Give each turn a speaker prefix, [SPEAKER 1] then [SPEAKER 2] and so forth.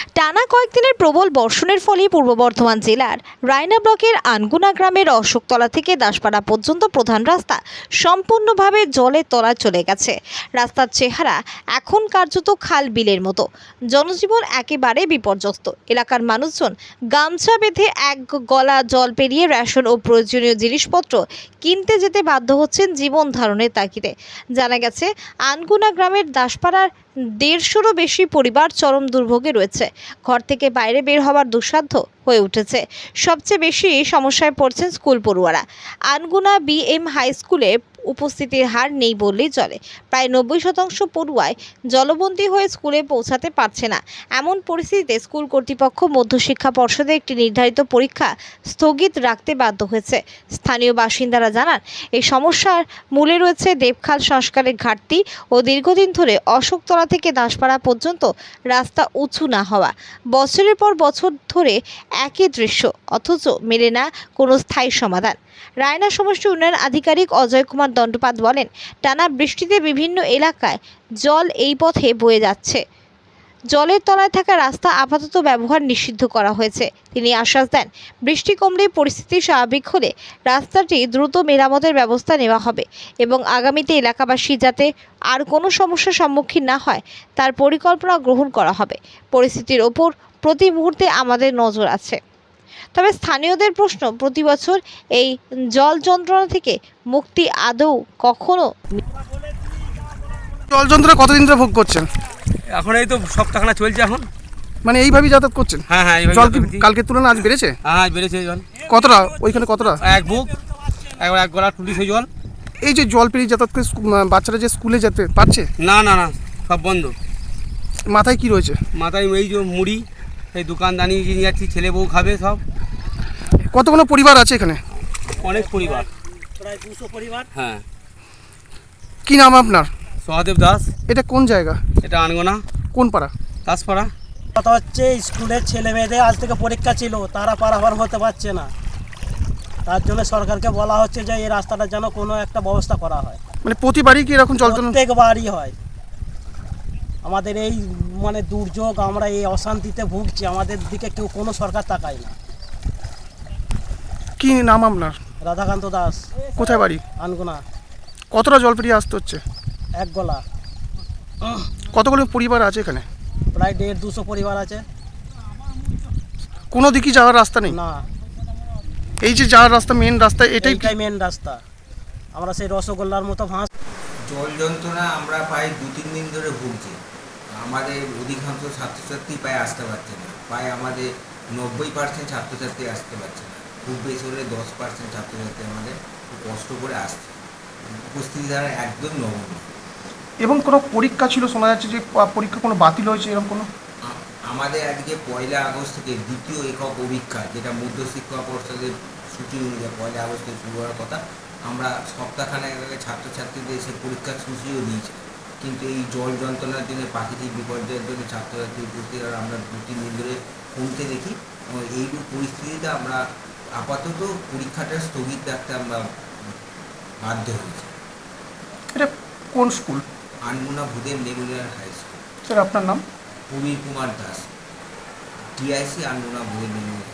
[SPEAKER 1] টানা কয়েকদিনের প্রবল বর্ষণের ফলে পূর্ব বর্ধমান জেলার রায়না ব্লকের আনগুনা গ্রামের অশোকতলা থেকে দাসপাড়া পর্যন্ত প্রধান রাস্তা সম্পূর্ণভাবে জলের তলায় চলে গেছে। রাস্তার চেহারা এখন কার্যত খাল বিলের মতো। জনজীবন একেবারে বিপর্যস্ত। এলাকার মানুষজন গামছা বেঁধে এক গলা জল পেরিয়ে রেশন ও প্রয়োজনীয় জিনিসপত্র কিনতে যেতে বাধ্য হচ্ছেন জীবন ধারণের তাগিদে। জানা গেছে, আনগুনা গ্রামের দাসপাড়ার 150-রও বেশি পরিবার চরম দুর্ভোগে রয়েছে। ঘর থেকে বাইরে বের হওয়ার দুঃসাধ্য হয়ে উঠেছে। সবচেয়ে বেশি সমস্যায় পড়ছেন স্কুল পড়ুয়ারা। আনগুনা বিএম হাই স্কুলে উপস্থিতির হার নেই বললেই চলে। প্রায় 90% পড়ুয়ায় জলবন্দী হয়ে স্কুলে পৌঁছাতে পারছে না। এমন পরিস্থিতিতে স্কুল কর্তৃপক্ষ মধ্যশিক্ষা পর্ষদে একটি নির্ধারিত পরীক্ষা স্থগিত রাখতে বাধ্য হয়েছে। স্থানীয় বাসিন্দারা জানান, এই সমস্যার মূলে রয়েছে দেবখাল সংস্কারের ঘাটতি ও দীর্ঘদিন ধরে অশোকতলা থেকে দাসপাড়া পর্যন্ত রাস্তা উঁচু না হওয়া। বছরের পর বছর ধরে একই দৃশ্য, অথচ মেলে না কোনো স্থায়ী সমাধান। রায়না সমষ্টি উন্নয়ন আধিকারিক অজয় কুমার দণ্ডপাত বলেন, টানা বৃষ্টিতে বিভিন্ন এলাকায় জল এই পথে বয়ে যাচ্ছে। জলের তলায় থাকা রাস্তা আপাতত ব্যবহার নিষিদ্ধ করা হয়েছে। তিনি আশ্বাস দেন, বৃষ্টি কমলে পরিস্থিতি স্বাভাবিক হলে রাস্তাটি দ্রুত মেরামতের ব্যবস্থা নেওয়া হবে এবং আগামীতে এলাকাবাসী যাতে আর কোনো সমস্যার সম্মুখীন না হয় তার পরিকল্পনা গ্রহণ করা হবে। পরিস্থিতির ওপর প্রতি মুহূর্তে আমাদের নজর আছে। তবে স্থানীয়দের প্রশ্ন, প্রতি বছর এই জল যন্ত্রণা থেকে মুক্তি আদৌ কখনো?
[SPEAKER 2] জল যন্ত্রণা কতদিন ধরে ভোগ করছেন?
[SPEAKER 3] এখন এই তো সপ্তাহখানা চলছে এখন।
[SPEAKER 2] মানে এইভাবেই যাতায়াত করছেন?
[SPEAKER 3] হ্যাঁ হ্যাঁ, এইভাবে
[SPEAKER 2] জল কি
[SPEAKER 3] যাতায়াত করছি।
[SPEAKER 2] কালকের তুলনায় আজ বেড়েছে?
[SPEAKER 3] হ্যাঁ বেড়েছে জল।
[SPEAKER 2] কতটা? ওইখানে কতটা?
[SPEAKER 3] এক বুক, একবার এক গলা টুটি সেই জল।
[SPEAKER 2] এই যে জল পেরিয়ে যাতায়াত করে বাচ্চারা যে স্কুলে যেতে পারছে?
[SPEAKER 3] না না না, সব বন্ধ।
[SPEAKER 2] মাথায় কি রয়েছে?
[SPEAKER 3] মাথায় এই যে মুড়ি, এই দোকানদানি নিয়ে যাচ্ছি, ছেলে বউ খাবে সব।
[SPEAKER 2] কতগুলো পরিবার আছে এখানে?
[SPEAKER 3] অনেক পরিবার, প্রায় 200 পরিবার। হ্যাঁ।
[SPEAKER 2] কি নাম আপনার?
[SPEAKER 3] সহদেব দাস।
[SPEAKER 2] এটা কোন জায়গা?
[SPEAKER 3] এটা আনগোনা।
[SPEAKER 2] কোন পাড়া?
[SPEAKER 3] দাসপাড়া।
[SPEAKER 4] কথা হচ্ছে, স্কুলের ছেলে মেয়েদের আজ থেকে পরীক্ষা ছিল, তারা পারাপার হতে পারছে না। তার জন্য সরকারকে বলা হচ্ছে যে এই রাস্তাটার যেন কোনো একটা ব্যবস্থা করা হয়।
[SPEAKER 2] মানে প্রতিবারই কি এরকম জল যন্ত্রণা?
[SPEAKER 4] প্রত্যেকবারই হয়। আমাদের এই মানে দুর্যোগ, আমরা এই অশান্তিতে ভুগছি, আমাদের দিকে কেউ কোনো সরকার তাকায় না।
[SPEAKER 2] কি নাম আপনার?
[SPEAKER 4] রাধাকান্ত দাস।
[SPEAKER 2] কোথায় বাড়ি?
[SPEAKER 4] আনগুনা।
[SPEAKER 2] কতটা জল পেরিয়ে আসতে হচ্ছে?
[SPEAKER 4] এক গলা।
[SPEAKER 2] কতগুলো পরিবার আছে এখানে?
[SPEAKER 4] প্রায় 150-200 পরিবার আছে।
[SPEAKER 2] কোনো দিকই যাওয়ার রাস্তা নেই?
[SPEAKER 4] না,
[SPEAKER 2] এই যে যাওয়ার রাস্তা, মেন রাস্তা, এটাই
[SPEAKER 4] মেন রাস্তা। আমরা সেই রসগোল্লার মতো ভাঁজ।
[SPEAKER 5] জল যন্ত্রণা আমরা প্রায় 2-3 দিন ধরে ভুগছি। আমাদের অধিকাংশ ছাত্রছাত্রী প্রায় আসতে পারছে না। প্রায় আমাদের 90% ছাত্রছাত্রী আসতে পারছে না। খুব বেশি হলে 10% ছাত্রছাত্রী আমাদের খুব কষ্ট করে আসছে। উপস্থিতি দ্বারা একদম নগণ্য।
[SPEAKER 2] এবং কোনো পরীক্ষা ছিল, শোনা যাচ্ছে যে পরীক্ষা কোনো বাতিল হয়েছে, এরকম কোনো?
[SPEAKER 5] আমাদের আজকে 1 আগস্ট থেকে দ্বিতীয় একক অভিক্ষা, যেটা মধ্যশিক্ষা পর্ষদের ছুটি অনুযায়ী 1 আগস্ট থেকে শুরু হওয়ার কথা, আমরা সপ্তাহখানেক আগে ছাত্রছাত্রীদের সে পরীক্ষার সূচিও দিয়েছি। কিন্তু এই জল যন্ত্রণার জন্য, প্রাকৃতিক বিপর্যয়ের জন্য ছাত্রছাত্রী উপস্থিত আমরা 2-3 দিন ধরে কমতে দেখি। এইরূপ পরিস্থিতিতে আমরা আপাতত পরীক্ষাটা স্থগিত রাখতে আমরা বাধ্য হয়েছি।
[SPEAKER 2] এটা কোন school?
[SPEAKER 5] Anmuna Bhudeb memorial high school.
[SPEAKER 2] Sir আপনার নাম?
[SPEAKER 5] Prabir Kumar Das, TIC Anmuna Bhudeb Memorial.